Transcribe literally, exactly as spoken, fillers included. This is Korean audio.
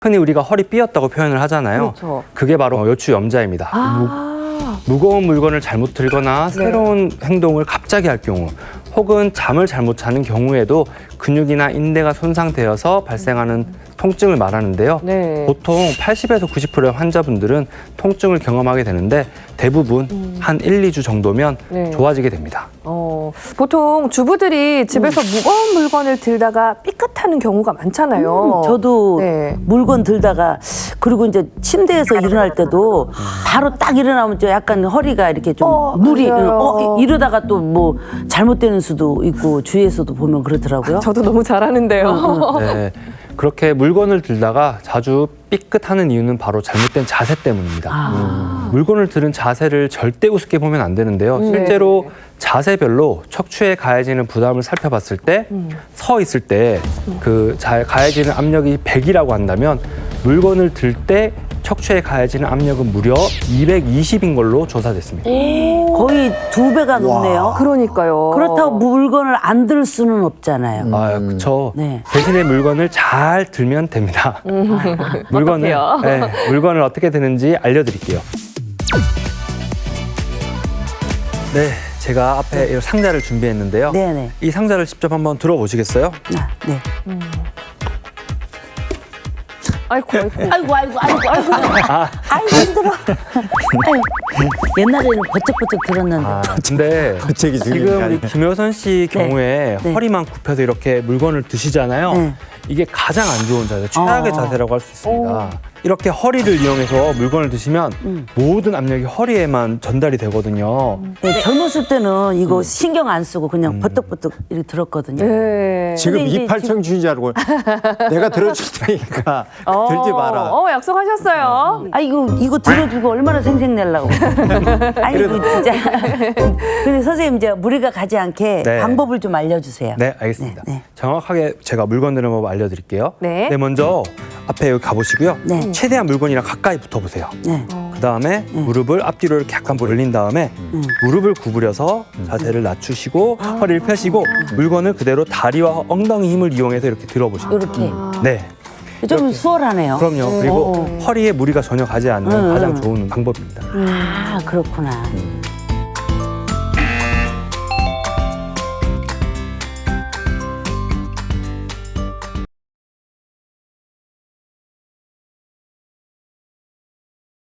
흔히 우리가 허리 삐었다고 표현을 하잖아요. 그렇죠. 그게 바로 요추염자입니다. 아, 무, 무거운 물건을 잘못 들거나 네. 새로운 행동을 갑자기 할 경우 혹은 잠을 잘못 자는 경우에도 근육이나 인대가 손상되어서 발생하는 통증을 말하는데요. 네. 보통 팔십에서 구십 퍼센트의 환자분들은 통증을 경험하게 되는데 대부분 한 일, 이 주 정도면 네. 좋아지게 됩니다. 어, 보통 주부들이 집에서 무거운 물건을 들다가 삐끗하는 경우가 많잖아요. 음, 저도 네. 물건 들다가 그리고 이제 침대에서 일어날 때도 바로 딱 일어나면 좀 약간 허리가 이렇게 좀 어, 무리 맞아요. 어, 이러다가 또 뭐 잘못되는 수도 있고 주위에서도 보면 그렇더라고요. 저도 너무 잘하는데요. 네, 그렇게 물건을 들다가 자주 삐끗하는 이유는 바로 잘못된 자세 때문입니다. 아. 물건을 들은 자세를 절대 우습게 보면 안 되는데요. 네. 실제로 자세별로 척추에 가해지는 부담을 살펴봤을 때 서 있을 때 그 가해지는 압력이 백이라고 한다면 물건을 들 때 척추에 가해지는 압력은 무려 이백이십인 걸로 조사됐습니다. 거의 두 배가 높네요. 그러니까요. 그렇다고 물건을 안 들 수는 없잖아요. 아, 그렇죠. 네. 대신에 물건을 잘 들면 됩니다. 물건을 어떡해요? 네, 물건을 어떻게 드는지 알려드릴게요. 네, 제가 앞에 이 상자를 준비했는데요. 네네. 이 상자를 직접 한번 들어보시겠어요? 아, 네. 아이고, 아이고. 아이고 아이고 아이고 아이고 아이고 힘들어. 아이고. 옛날에는 버쩍버쩍 들었는데. 아, 근데 갑자기 지금 우리 김효선 씨 네. 경우에 네. 허리만 굽혀서 이렇게 물건을 드시잖아요. 네. 이게 가장 안 좋은 자세, 최악의 어. 자세라고 할 수 있습니다. 이렇게 허리를 이용해서 물건을 드시면 음. 모든 압력이 허리에만 전달이 되거든요. 네, 젊었을 때는 이거 신경 안 쓰고 그냥 버떡버떡 이렇게 들었거든요. 네. 지금 근데 이제 이팔청춘인 줄 알고 내가 들어줄 테니까 들지 마라. 어, 약속하셨어요. 아 이거 이거 들어주고 얼마나 생색 내려고. 아이고 진짜. 근데 선생님 이제 무리가 가지 않게 네. 방법을 좀 알려주세요. 네, 알겠습니다. 네, 네. 정확하게 제가 물건 드는 법 알려드릴게요. 네. 먼저 앞에 여기 가보시고요. 네. 최대한 물건이랑 가까이 붙어보세요. 네. 그 다음에 무릎을 앞뒤로 이렇게 약간 벌린 다음에 무릎을 구부려서 자세를 낮추시고 허리를 펴시고 물건을 그대로 다리와 엉덩이 힘을 이용해서 이렇게 들어보시면 돼요. 이렇게 네, 좀 수월하네요. 그럼요. 그리고 허리에 무리가 전혀 가지 않는 음. 가장 좋은 방법입니다. 아 그렇구나.